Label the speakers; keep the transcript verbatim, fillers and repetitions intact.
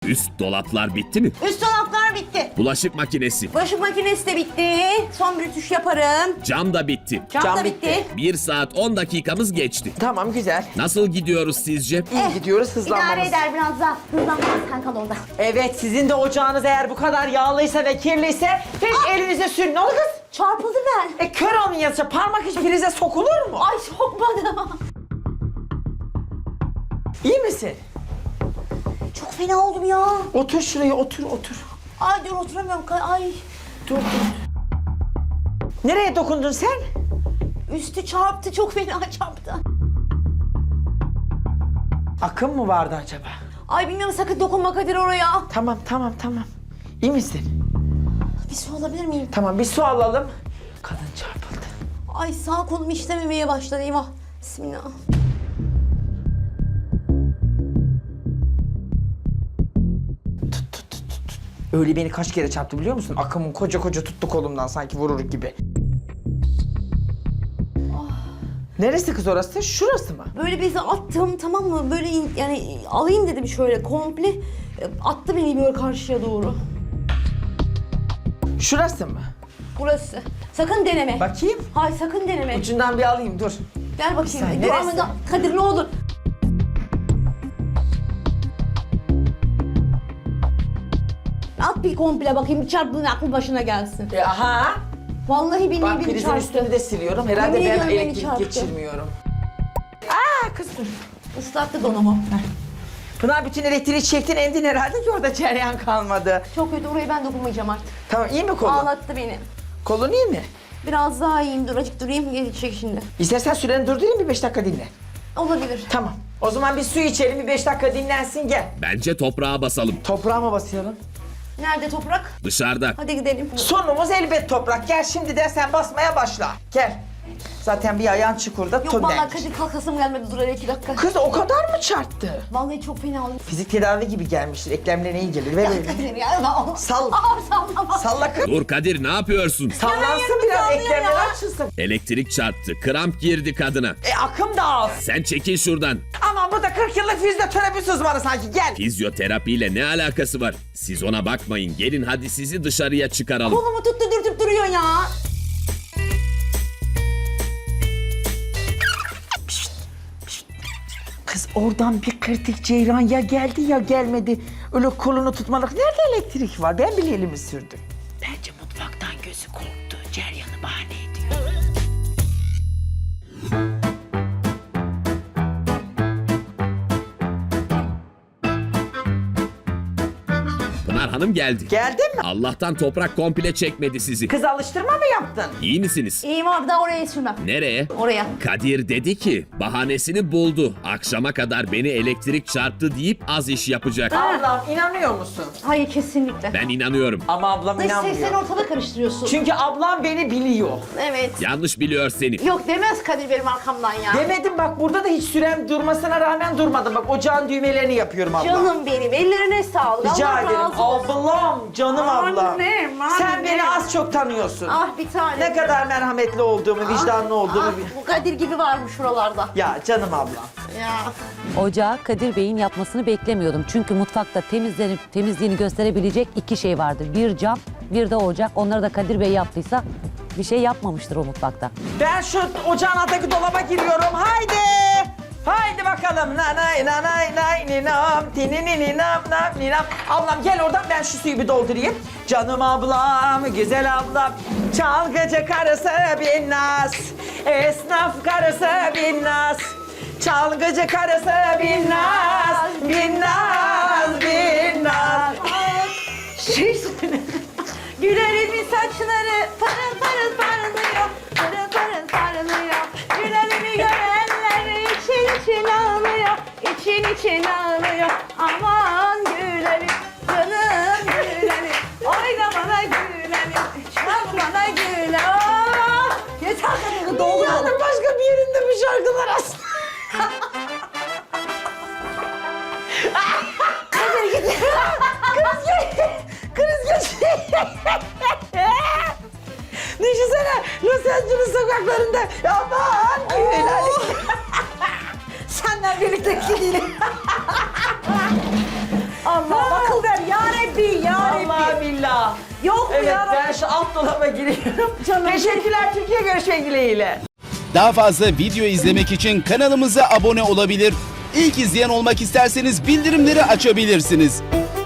Speaker 1: Üst dolaplar bitti mi?
Speaker 2: Üst dolaplar bitti.
Speaker 1: Bulaşık makinesi.
Speaker 2: Bulaşık makinesi de bitti. Son bir ütüş yaparım.
Speaker 1: Cam da bitti.
Speaker 2: Cam,
Speaker 3: Cam
Speaker 2: da
Speaker 3: bitti.
Speaker 2: bitti.
Speaker 1: Bir saat on dakikamız geçti.
Speaker 3: Tamam güzel.
Speaker 1: Nasıl gidiyoruz sizce?
Speaker 3: İyi gidiyoruz
Speaker 2: İdare
Speaker 3: hızlanmamız.
Speaker 2: eder biraz daha. Hızlanmaz, sen kal orada.
Speaker 3: Evet sizin de ocağınız eğer bu kadar yağlıysa ve kirliyse hiç elinize sürün. Ne oldu kız?
Speaker 2: Çarpıldı ben.
Speaker 3: E kör olmayınca parmak hiç prize sokulur mu?
Speaker 2: Ay sokmadım.
Speaker 3: İyi misin?
Speaker 2: Çok fena oldum ya.
Speaker 3: Otur şuraya otur otur.
Speaker 2: Ay dur oturamıyorum. Ay
Speaker 3: Dur dur. Nereye dokundun sen?
Speaker 2: üstü çarptı, çok fena çarptı.
Speaker 3: Akım mı vardı acaba?
Speaker 2: Ay bilmiyorum, sakın dokunma Kadir oraya.
Speaker 3: Tamam tamam tamam. İyi misin?
Speaker 2: Bir su alabilir miyim?
Speaker 3: Tamam bir su alalım. Kadın çarpıldı.
Speaker 2: Ay sağ kolum işlememeye başladı, eyvah. Bismillah.
Speaker 3: Tut tut tut tut. Öyle beni kaç kere çarptı biliyor musun? Akımın koca koca tuttu kolumdan sanki vurur gibi. Neresi kız orası? Şurası mı?
Speaker 2: Böyle bezi attım, tamam mı? Böyle in- yani alayım dedim şöyle komple. E, Attı beni böyle karşıya doğru.
Speaker 3: Şurası mı?
Speaker 2: Burası. Sakın deneme.
Speaker 3: Bakayım.
Speaker 2: Hayır sakın deneme.
Speaker 3: Ucundan bir alayım dur.
Speaker 2: Gel bakayım.
Speaker 3: Sen
Speaker 2: Dur
Speaker 3: neresi?
Speaker 2: ama da- Kadir ne olur. At bir komple bakayım, bir çarptığın aklı başına gelsin.
Speaker 3: E, aha.
Speaker 2: Vallahi beni
Speaker 3: Bak
Speaker 2: beni
Speaker 3: prizin
Speaker 2: çarptı.
Speaker 3: üstünü de siliyorum. Herhalde
Speaker 2: Yemin
Speaker 3: ben
Speaker 2: ediyorum beni
Speaker 3: elektrik
Speaker 2: çarptı.
Speaker 3: geçirmiyorum. Aa kız dur.
Speaker 2: Islattı donumu.
Speaker 3: Pınar bütün elektriği çektin endin herhalde ki orada cereyan kalmadı.
Speaker 2: Çok kötü, orayı ben dokunmayacağım artık.
Speaker 3: Tamam iyi mi kolun?
Speaker 2: Ağlattı beni.
Speaker 3: Kolun iyi mi?
Speaker 2: Biraz daha iyiyim, dur azıcık durayım, gelecek şimdi.
Speaker 3: İstersen süreni durdurayım bir beş dakika dinle.
Speaker 2: Olabilir.
Speaker 3: Tamam. O zaman bir su içelim bir beş dakika dinlensin gel.
Speaker 1: Bence toprağa basalım.
Speaker 3: Toprağa mı basıyorum?
Speaker 2: Nerede toprak?
Speaker 1: Dışarıda.
Speaker 2: Hadi gidelim.
Speaker 3: Sonumuz elbet toprak. Gel şimdiden sen basmaya başla. Gel. Zaten bir ayağın çukurda
Speaker 2: Yok
Speaker 3: tüm
Speaker 2: vallahi
Speaker 3: denk.
Speaker 2: Kadir kalkasım gelmedi, dur hele iki dakika.
Speaker 3: Kız o kadar mı çarptı?
Speaker 2: Vallahi çok fena oldu.
Speaker 3: Fizik tedavi gibi gelmiştir. Eklemlerine iyi gelir. Ver elini.
Speaker 2: Kadir ya. Allah.
Speaker 3: Sal.
Speaker 2: Aa sallama.
Speaker 3: Salla kız.
Speaker 1: Dur Kadir, ne yapıyorsun?
Speaker 3: Sallansın
Speaker 2: yerimi
Speaker 3: biraz
Speaker 2: sallıyor
Speaker 3: eklemler
Speaker 2: ya.
Speaker 3: açılsın.
Speaker 1: Elektrik çarptı. Kramp girdi kadına.
Speaker 3: E akım da az.
Speaker 1: Sen çekil şuradan.
Speaker 3: Ama bu da kırk yıllık fizyoterapist uzmanı sanki. Gel.
Speaker 1: Fizyoterapiyle ne alakası var? Siz ona bakmayın. Gelin hadi sizi dışarıya çıkaralım.
Speaker 2: Kolumu tuttu dürtüp duruyor ya.
Speaker 3: Kız oradan bir kritik ceyran ya geldi ya gelmedi. Öyle kolunu tutmalık. Nerede elektrik var? Ben bile elimi sürdüm. Bence mutfaktan gözü korktu. Ceryanı bahane ediyor.
Speaker 1: Pınar Hanım geldi.
Speaker 3: Geldin mi?
Speaker 1: Allah'tan toprak komple çekmedi sizi.
Speaker 3: Kız alıştırma mı yaptın?
Speaker 1: İyi misiniz?
Speaker 2: İyiyim abi, daha oraya sürmem.
Speaker 1: Nereye?
Speaker 2: Oraya.
Speaker 1: Kadir dedi ki bahanesini buldu. Akşama kadar beni elektrik çarptı deyip az iş yapacak.
Speaker 3: Ablam inanıyor musun?
Speaker 2: Hayır kesinlikle.
Speaker 1: Ben inanıyorum.
Speaker 3: Ama ablam
Speaker 2: Dış ses, sen
Speaker 3: inanmıyor.
Speaker 2: ortalığı karıştırıyorsun.
Speaker 3: Çünkü ablam beni biliyor.
Speaker 2: Evet.
Speaker 1: Yanlış biliyor seni.
Speaker 2: Yok demez Kadir benim arkamdan ya.
Speaker 3: Demedim bak burada da hiç sürem durmasına rağmen durmadım. Bak ocağın düğmelerini yapıyorum abla.
Speaker 2: Canım benim, ellerine sağlık.
Speaker 3: Rica
Speaker 2: Allah
Speaker 3: ederim.
Speaker 2: razı olsun.
Speaker 3: Ablam, canım ablam.
Speaker 2: Annem,
Speaker 3: Sen
Speaker 2: annem.
Speaker 3: beni az çok tanıyorsun.
Speaker 2: Ah bir tane.
Speaker 3: Ne kadar merhametli olduğumu, vicdanlı olduğumu.
Speaker 2: Ah,
Speaker 3: bil-
Speaker 2: bu Kadir gibi varmış şuralarda.
Speaker 3: Ya canım ablam.
Speaker 2: Ya.
Speaker 4: Ocağı Kadir Bey'in yapmasını beklemiyordum. Çünkü mutfakta temizlenip temizliğini gösterebilecek iki şey vardır. Bir cam, bir de ocak. Onları da Kadir Bey yaptıysa bir şey yapmamıştır o mutfakta.
Speaker 3: Ben şu ocağın altındaki dolaba giriyorum. Haydi. Haydi bakalım. Nanay nanay nay ninam tinininam nam ninam. Ablam gel oradan ben şu suyu bir doldurayım. Canım ablam, güzel ablam. Çalgıcı karısı binnaz. Esnaf karısı binnaz. Çalgıcı karısı binnaz. Binnaz, binnaz.
Speaker 2: Şey Gülerimin saçları parıl parıl parlıyor. Parıl parıl parlıyor. Gülerimi görenler için için ağlıyor. İçin için ağlıyor. Aman gülerim canım gülerim. Oyna bana gülerim. Çal bana güle. Oh! Yeter kadın doldu.
Speaker 3: Dünyanın başka bir yerinde bu şarkılar aslında.
Speaker 2: Kadir git. Kriz gel. Kriz gel.
Speaker 3: Düşünsene Los Angeles sokaklarında aman gülerim.
Speaker 2: Senden birlikte gidelim. Allah akıl ver Yok
Speaker 3: Evet
Speaker 2: ya.
Speaker 3: ben şu alt dolaba giriyorum.
Speaker 2: Canım.
Speaker 3: Teşekkürler Türkiye, görüşmek dileğiyle.
Speaker 5: Daha fazla video izlemek için kanalımıza abone olabilir. İlk izleyen olmak isterseniz bildirimleri açabilirsiniz.